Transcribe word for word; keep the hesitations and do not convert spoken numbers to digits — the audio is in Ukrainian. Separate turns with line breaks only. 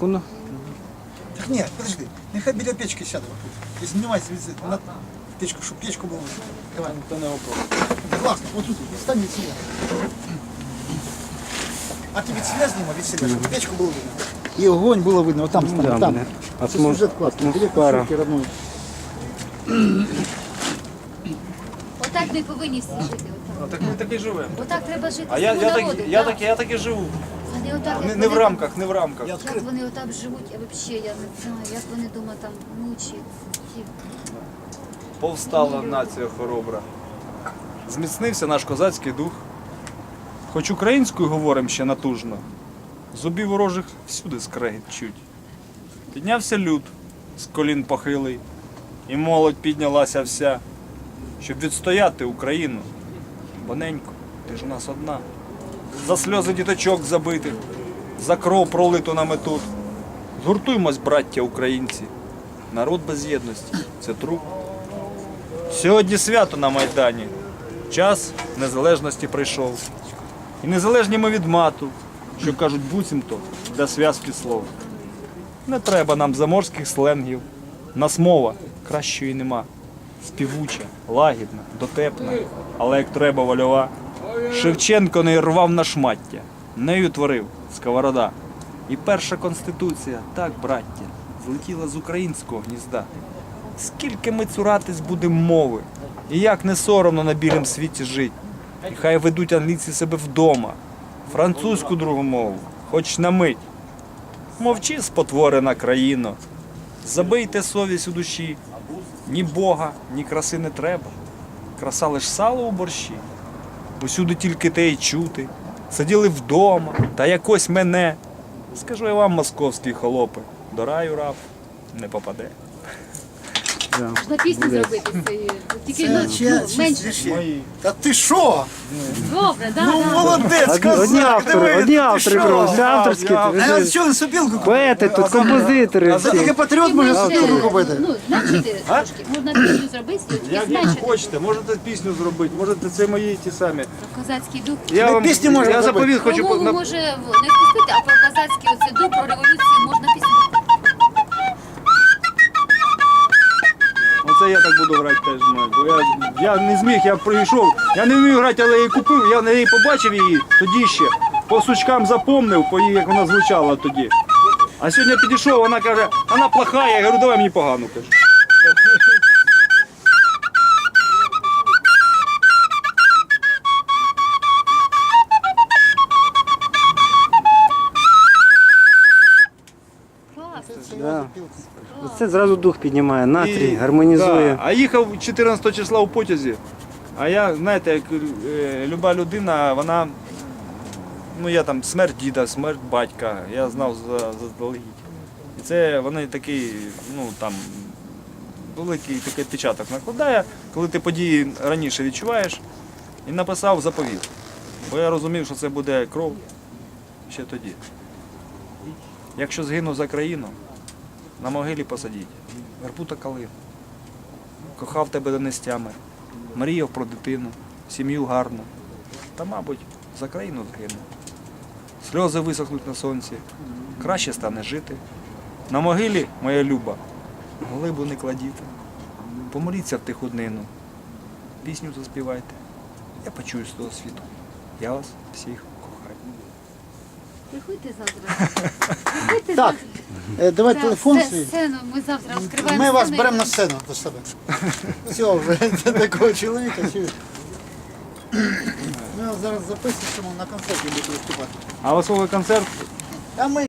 телефону.
Так ні, подожди, нехай біля печки сяде. І знімайся на печку, щоб печку було. Давай.
Це не вопрос.
Да класно, вот тут, стань від себя. А ти від себя знімай, від себя, щоб печку було видно. І огонь було видно, вот там,
Да,
там, там.
блин.
Це
Атмос-
сюжет класний, біля
атмосфера.
кушетки родної.
Отак ми повинні всі жити. Отак,
Так ми так і живемо.
отак треба жити.
А я,
всьому
я, так,
народу,
я,
так.
так, я так і живу.
Вони отак,
Не,
як
не в
вони-
рамках, не в рамках.
Я
Як
відкрив.
вони отак живуть, я взагалі я не знаю, як вони вдома там мучать.
Повстала нація хоробра. Зміцнився наш козацький дух. Хоч українською говоримо ще натужно, зубів ворожих всюди скрегіт чуть. Піднявся люд з колін похилий, і молодь піднялася вся, щоб відстояти Україну. Боненько, ти ж у нас одна. За сльози діточок забитих, за кров пролиту нами тут. Згуртуймось, браття українці. Народ без єдності – це труп. Сьогодні свято на Майдані. Час незалежності прийшов. І незалежні ми від мату, що кажуть буцімто для зв'язки слов. Не треба нам заморських сленгів. Нас мова кращої нема. Співуча, лагідна, дотепна, але як треба вольова. Шевченко не рвав на шмаття, нею творив сковорода. І перша конституція, так, браття, злетіла з українського гнізда. Скільки ми цуратись будемо мови, і як не соромно на білім світі жить. І хай ведуть англійці себе вдома, французьку другу мову, хоч на мить. Мовчи, спотворена країно, забийте совість у душі. Ні Бога, ні краси не треба, краса лиш сало у борщі. Усюди тільки те й чути, сиділи вдома, та якось мене. Скажу я вам, московські холопи, до раю раб не попаде.
Да.
Можна пісню зробити з цієї. Тільки ну,
Це
ну,
чи-
менше.
чи-
Мої.
Та ти що?
Добре, так,
Ну
так.
молодець,
Одні,
козак,
одні автори,
диви,
одні
ти
автори,
що?
просто, авторські.
я-
ви
А
ж-
от що він сопілку?
Поети тут, композитори
А за
всі.
таке патріот може сопілку купити.
Ну, зменшити трошки. Можна пісню зробити, тільки
Як, як
зменшити.
хочете, можете пісню зробити, можете це мої ті самі.
Козацький дух.
Я вам
пісню можна
я
зробити.
заповіт хочу
Про
по-
мову
на-
може в- не впустити, а про козацький оце дух, про революцію можна пісню.
Оце я так буду грати теж. мать, Бо я, я не зміг, я прийшов. Я не вмію грати, але я її купив, я на неї побачив її тоді ще. По сучкам запомнив, по їй, як вона звучала тоді. А сьогодні підійшов, вона каже, вона плоха, я говорю, давай мені погану. Кажу.
Класно.
Да. Це зразу дух піднімає, настрій,
І-
гармонізує.
Да, а їхав чотирнадцятого числа у потязі. А я, знаєте, як е, люба людина, вона, ну я там смерть діда, смерть батька, я знав за- заздалегідь. І це вони такий, ну там, великий такий відпечаток накладає, коли ти події раніше відчуваєш, і написав заповіт. Бо я розумів, що це буде кров ще тоді. Якщо згину за країну, на могилі посадіть, вербу та калину. Кохав тебе до нестями, мріяв про дитину, сім'ю гарну. Та, мабуть, за країну згину. Сльози висохнуть на сонці, краще стане жити. На могилі, моя люба, глибу не кладіть. Помоліться в тиху днину, пісню заспівайте. Я почую з того світу. Я вас всіх кохаю.
Приходьте завтра. Приходьте
Так,
завтра.
е, давай
Так,
телефон
сце-
свій.
Сцену ми завтра відкриваємо.
Ми вас
сцену.
беремо на сцену до себе. Все, вже такого чоловіка. чи- Ми вас зараз записуємо на концерті, будете виступати.
А у вас концерт
А ми